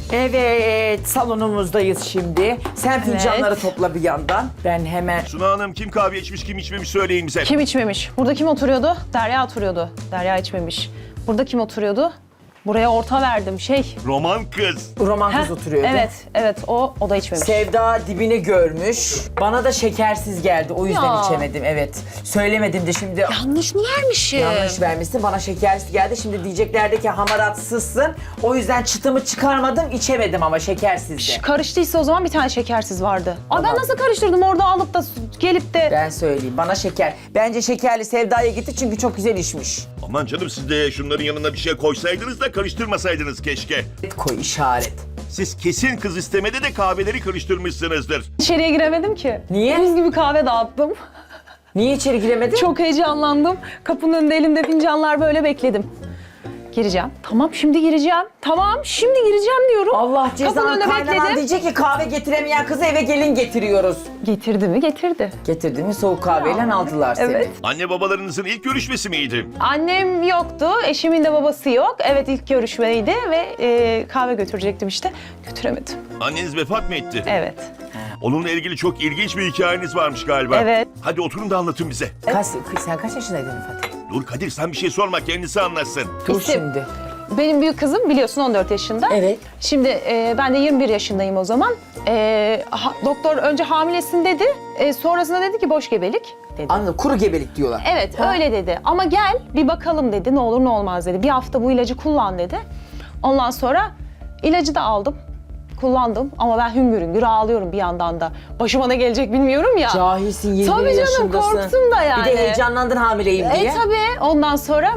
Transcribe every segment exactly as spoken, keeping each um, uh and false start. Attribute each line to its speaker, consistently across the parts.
Speaker 1: Evet, salonumuzdayız şimdi. Sen fincanları
Speaker 2: Evet.
Speaker 1: topla bir yandan. Ben hemen...
Speaker 3: Suna Hanım kim kahve içmiş kim içmemiş söyleyin bize.
Speaker 2: Kim içmemiş? Burada kim oturuyordu? Derya oturuyordu. Derya içmemiş. Burada kim oturuyordu? Buraya orta verdim şey.
Speaker 3: Roman kız.
Speaker 1: Roman kız
Speaker 2: Heh,
Speaker 1: oturuyordu.
Speaker 2: Evet, evet o, o da içmemiş.
Speaker 1: Sevda dibini görmüş. Bana da şekersiz geldi. O yüzden
Speaker 2: Ya.
Speaker 1: içemedim. Evet. Söylemedim de şimdi
Speaker 2: Yanlış mı vermişim?
Speaker 1: yanlış vermişsin. Bana şekersiz geldi. Şimdi diyeceklerdi ki hamaratsızsın. O yüzden çıtımı çıkarmadım. İçemedim ama şekersizdi.
Speaker 2: Karıştıysa o zaman bir tane şekersiz vardı. Aa,
Speaker 1: Tamam.
Speaker 2: ben nasıl karıştırdım orada alıp da gelip de...
Speaker 1: Ben söyleyeyim. Bana şeker. Bence şekerli Sevda'ya gitti çünkü çok güzel içmiş.
Speaker 3: Aman canım siz de şunların yanına bir şey koysaydınız da karıştırmasaydınız keşke.
Speaker 1: Koy işaret.
Speaker 3: Siz kesin kız istemede de kahveleri karıştırmışsınızdır.
Speaker 2: İçeriye giremedim ki.
Speaker 1: Niye?
Speaker 2: Buz gibi kahve dağıttım.
Speaker 1: Niye içeri giremedin?
Speaker 2: Çok heyecanlandım. Kapının önünde elimde fincanlar böyle bekledim. Gireceğim. Tamam şimdi gireceğim. Tamam şimdi gireceğim diyorum.
Speaker 1: Allah
Speaker 2: Kapının
Speaker 1: cezanı
Speaker 2: önünde
Speaker 1: kaynanan
Speaker 2: bekledim.
Speaker 1: diyecek ki kahve getiremeyen kızı eve gelin getiriyoruz.
Speaker 2: Getirdi mi? Getirdi.
Speaker 1: Getirdi mi soğuk kahveyle
Speaker 2: Ya,
Speaker 1: aldılar seni.
Speaker 2: evet.
Speaker 3: Anne babalarınızın ilk görüşmesi miydi?
Speaker 2: Annem yoktu. Eşimin de babası yok. Evet ilk görüşmeydi ve e, kahve götürecektim işte. Götüremedim.
Speaker 3: Anneniz vefat mı etti?
Speaker 2: Evet.
Speaker 3: Onunla ilgili çok ilginç bir hikayeniz varmış galiba.
Speaker 2: Evet.
Speaker 3: Hadi oturun da anlatın bize.
Speaker 1: Kaç, sen kaç yaşındaydın Fatih?
Speaker 3: Dur Kadir sen bir şey sorma kendisi anlatsın.
Speaker 1: Dur
Speaker 2: İşte-
Speaker 1: şimdi.
Speaker 2: Benim büyük kızım biliyorsun on dört yaşında.
Speaker 1: Evet.
Speaker 2: Şimdi e, ben de yirmi bir yaşındayım o zaman. E, ha- doktor önce hamilesin dedi. E, sonrasında dedi ki boş gebelik dedi.
Speaker 1: Anladım. Kuru gebelik diyorlar.
Speaker 2: Evet öyle dedi ama gel bir bakalım dedi ne olur ne olmaz dedi. Bir hafta bu ilacı kullan dedi. Ondan sonra ilacı da aldım. Kullandım ama ben hüngür hüngür ağlıyorum bir yandan da. Başıma ne gelecek bilmiyorum ya.
Speaker 1: Cahilsin yirmi
Speaker 2: Tabii canım,
Speaker 1: yaşındasın.
Speaker 2: korktum da yani.
Speaker 1: Bir de heyecanlandın hamileyim diye.
Speaker 2: E tabii ondan sonra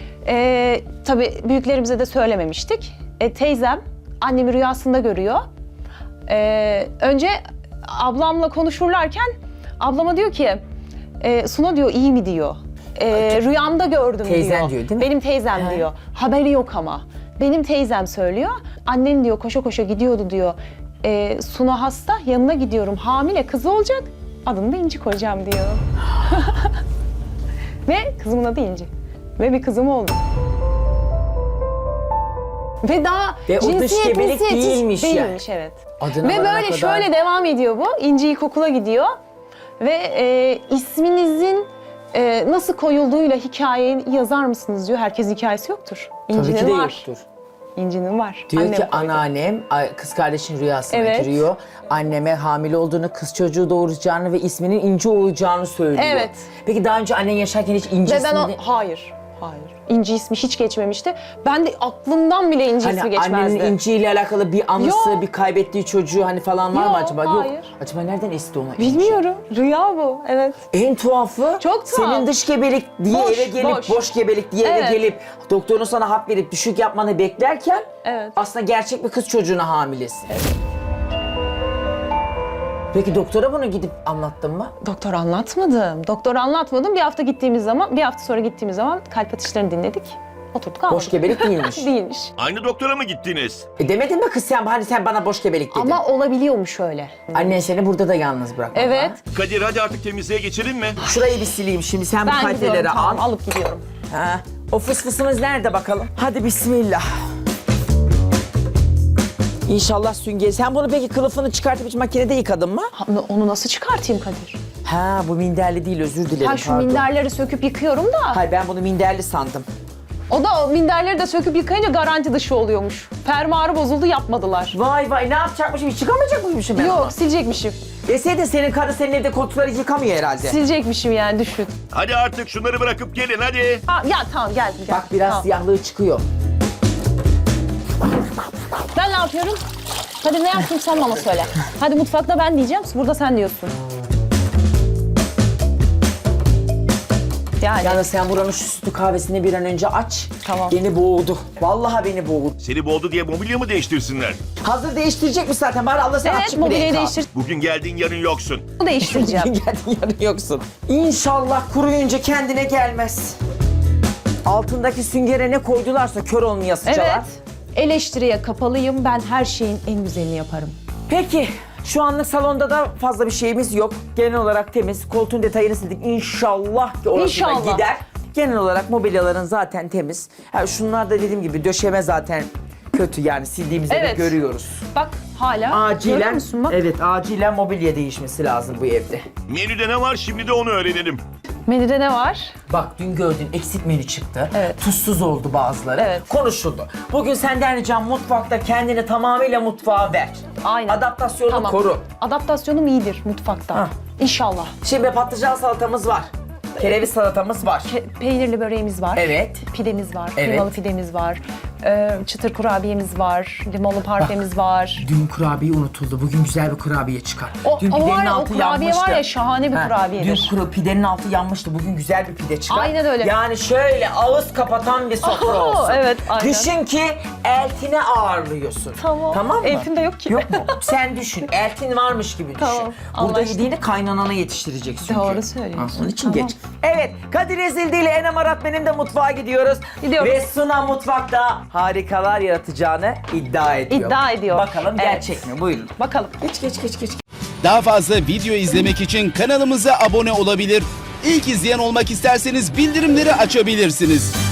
Speaker 2: e, tabii büyüklerimize de söylememiştik. E, teyzem annemi rüyasında görüyor. E, önce ablamla konuşurlarken ablama diyor ki e, Suna diyor iyi mi diyor. E, rüyamda gördüm
Speaker 1: Teyzen
Speaker 2: diyor.
Speaker 1: diyor, değil mi?
Speaker 2: Benim teyzem
Speaker 1: He.
Speaker 2: diyor. Haberi yok ama. Benim teyzem söylüyor. Annen diyor koşa koşa gidiyordu diyor. E, Suna hasta yanına gidiyorum hamile kızı olacak. Adını da İnci koyacağım diyor. Ve kızımın adı İnci. Ve bir kızım oldu. Ve daha
Speaker 1: Ve o dış
Speaker 2: cinsiyet,
Speaker 1: gebelik
Speaker 2: cinsiyet-
Speaker 1: değilmiş yani.
Speaker 2: Değilmiş evet.
Speaker 1: Adına
Speaker 2: Ve
Speaker 1: varana
Speaker 2: böyle
Speaker 1: kadar-
Speaker 2: şöyle devam ediyor bu. İnci ilkokula gidiyor. Ve e, isminizin e, nasıl koyulduğuyla hikayeyi yazar mısınız diyor. Herkesin hikayesi yoktur.
Speaker 1: Tabii
Speaker 2: İnci'nin
Speaker 1: ki de
Speaker 2: var.
Speaker 1: yoktur.
Speaker 2: İnci'nin var.
Speaker 1: Diyor
Speaker 2: Annem
Speaker 1: ki
Speaker 2: koydu.
Speaker 1: anneannem ay- kız kardeşin rüyasına
Speaker 2: Evet.
Speaker 1: giriyor. Anneme hamile olduğunu, kız çocuğu doğuracağını ve isminin İnci olacağını söylüyor.
Speaker 2: Evet.
Speaker 1: Peki daha önce annen yaşarken hiç İnci
Speaker 2: Ve ben o...
Speaker 1: ismini...
Speaker 2: Hayır. Hayır. İnci ismi hiç geçmemişti. Ben de aklımdan bile İnci ismi
Speaker 1: Hani
Speaker 2: geçmezdi.
Speaker 1: annenin İnci ile alakalı bir anısı,
Speaker 2: Yok.
Speaker 1: bir kaybettiği çocuğu hani falan var mı
Speaker 2: Yok,
Speaker 1: acaba?
Speaker 2: hayır.
Speaker 1: Yok. Acaba nereden esti ona İnci?
Speaker 2: Bilmiyorum. Rüya bu. Evet.
Speaker 1: En tuhafı
Speaker 2: Çok tuhaf.
Speaker 1: senin dış gebelik diye
Speaker 2: Boş,
Speaker 1: eve gelip, boş,
Speaker 2: boş.
Speaker 1: gebelik diye
Speaker 2: Evet.
Speaker 1: eve gelip doktorun sana hap verip düşük yapmanı beklerken
Speaker 2: Evet.
Speaker 1: aslında gerçek bir kız çocuğuna hamilesin. Peki doktora bunu gidip anlattın mı?
Speaker 2: Doktor anlatmadım. Doktor anlatmadım. Bir hafta gittiğimiz zaman, bir hafta sonra gittiğimiz zaman kalp atışlarını dinledik. Oturduk ağladık.
Speaker 1: Boş gebelik değilmiş.
Speaker 2: Değilmiş.
Speaker 3: Aynı doktora mı gittiniz?
Speaker 1: E demedin mi kız sen hani sen bana boş gebelik dedin.
Speaker 2: Ama olabiliyormuş öyle.
Speaker 1: Annen seni burada da yalnız bırakma.
Speaker 2: Evet.
Speaker 3: Kadir hadi artık temizliğe geçelim mi?
Speaker 1: Şurayı bir sileyim şimdi sen bu
Speaker 2: Ben
Speaker 1: kaliteleri
Speaker 2: gidiyorum.
Speaker 1: al.
Speaker 2: Tamam, alıp gidiyorum.
Speaker 1: Ha. O fısfısımız nerede bakalım? Hadi bismillah. İnşallah sünger. Sen bunu peki kılıfını çıkartıp hiç makinede yıkadın mı?
Speaker 2: Ha, onu nasıl çıkartayım Kadir?
Speaker 1: Ha bu minderli değil özür dilerim
Speaker 2: Ha şu
Speaker 1: pardon.
Speaker 2: minderleri söküp yıkıyorum da.
Speaker 1: Hayır ben bunu minderli sandım.
Speaker 2: O da o minderleri de söküp yıkayınca garanti dışı oluyormuş. Fermuarı bozuldu yapmadılar.
Speaker 1: Vay vay ne yapacakmışım hiç yıkamayacak mıymışım ben onu?
Speaker 2: Yok silecekmişim.
Speaker 1: Deseydin senin karı senin evde koltukları yıkamıyor herhalde.
Speaker 2: Silecekmişim yani düşün.
Speaker 3: Hadi artık şunları bırakıp gelin hadi.
Speaker 2: Ha, ya tamam geldim geldim.
Speaker 1: Bak biraz
Speaker 2: Tamam.
Speaker 1: siyahlığı çıkıyor.
Speaker 2: Ben ne yapıyorum? Hadi ne yapayım sen bana söyle. Hadi mutfakta ben diyeceğim, burada sen diyorsun. Yani
Speaker 1: Yalnız sen buranın şu sütlü kahvesini bir an önce aç.
Speaker 2: Tamam.
Speaker 1: Beni boğdu. Vallahi beni boğdu.
Speaker 3: Seni boğdu diye mobilya mı değiştirsinler?
Speaker 1: Hazır değiştirecek mi zaten? Bari Allah sana
Speaker 2: evet
Speaker 1: açık bir
Speaker 2: mobilyayı
Speaker 1: renk al.
Speaker 2: değiştir.
Speaker 3: Bugün geldin yarın yoksun.
Speaker 2: değiştireceğim.
Speaker 1: Geldin yarın yoksun. İnşallah kuruyunca kendine gelmez. Altındaki süngere ne koydularsa kör olmayasıcalar.
Speaker 2: Evet. Eleştiriye kapalıyım. Ben her şeyin en güzelini yaparım.
Speaker 1: Peki şu anlık salonda da fazla bir şeyimiz yok. Genel olarak temiz. Koltuğun detayını sildik. İnşallah ki orası da
Speaker 2: İnşallah.
Speaker 1: gider. Genel olarak mobilyaların zaten temiz. Ha, şunlar da dediğim gibi döşeme zaten kötü yani sildiğimizde
Speaker 2: Evet.
Speaker 1: de görüyoruz.
Speaker 2: Bak hala. Görüyor
Speaker 1: Acilen,
Speaker 2: musun bak?
Speaker 1: evet acilen mobilya değişmesi lazım bu evde.
Speaker 3: Menüde ne var şimdi de onu öğrenelim.
Speaker 2: Menüde ne var?
Speaker 1: Bak dün gördün eksik menü çıktı.
Speaker 2: Evet.
Speaker 1: Tuzsuz oldu bazıları.
Speaker 2: Evet.
Speaker 1: Konuşuldu. Bugün senden ricam mutfakta kendini tamamıyla mutfağa ver.
Speaker 2: Aynen.
Speaker 1: Adaptasyonu
Speaker 2: Tamam.
Speaker 1: koru.
Speaker 2: Adaptasyonum iyidir mutfakta.
Speaker 1: Hah.
Speaker 2: İnşallah.
Speaker 1: Şimdi patlıcan salatamız var. Kereviz salatamız var.
Speaker 2: Pe- peynirli böreğimiz var.
Speaker 1: Evet.
Speaker 2: Pidemiz var.
Speaker 1: Evet.
Speaker 2: Kıymalı pidemiz var. Ee, çıtır kurabiyemiz var. Limonlu parfemiz var.
Speaker 1: Dün kurabiye unutuldu. Bugün güzel bir kurabiye çıkar.
Speaker 2: O-
Speaker 1: Dün
Speaker 2: o
Speaker 1: pidenin
Speaker 2: var ya, o
Speaker 1: altı
Speaker 2: kurabiye
Speaker 1: yanmıştı.
Speaker 2: var ya, şahane bir kurabiyedir.
Speaker 1: Dün kuru, pidenin altı yanmıştı. Bugün güzel bir pide çıkar.
Speaker 2: Aynen öyle.
Speaker 1: Yani şöyle ağız kapatan bir sofra
Speaker 2: Oho,
Speaker 1: olsun.
Speaker 2: evet, aynen.
Speaker 1: Düşün ki eltine ağırlıyorsun.
Speaker 2: Tamam.
Speaker 1: Tamam mı?
Speaker 2: Eltim de yok ki.
Speaker 1: Yok mu? Sen düşün. Eltin varmış gibi düşün.
Speaker 2: Tamam,
Speaker 1: Burada
Speaker 2: anlaştık.
Speaker 1: yediğini kaynanana yetiştireceksin çünkü.
Speaker 2: Doğru söylüyorsun.
Speaker 1: Ha, onun için
Speaker 2: Tamam.
Speaker 1: geç. Evet. Kadir Ezildi ile Enem Arat benim de mutfağa gidiyoruz.
Speaker 2: Gidiyoruz.
Speaker 1: Ve Suna mutfakta harikalar yaratacağını iddia ediyor.
Speaker 2: İddia ediyor.
Speaker 1: Bakalım
Speaker 2: Evet.
Speaker 1: gerçek mi? Buyurun.
Speaker 2: Bakalım.
Speaker 1: Geç geç geç geç.
Speaker 4: Daha fazla video izlemek için kanalımıza abone olabilir. İlk izleyen olmak isterseniz bildirimleri açabilirsiniz.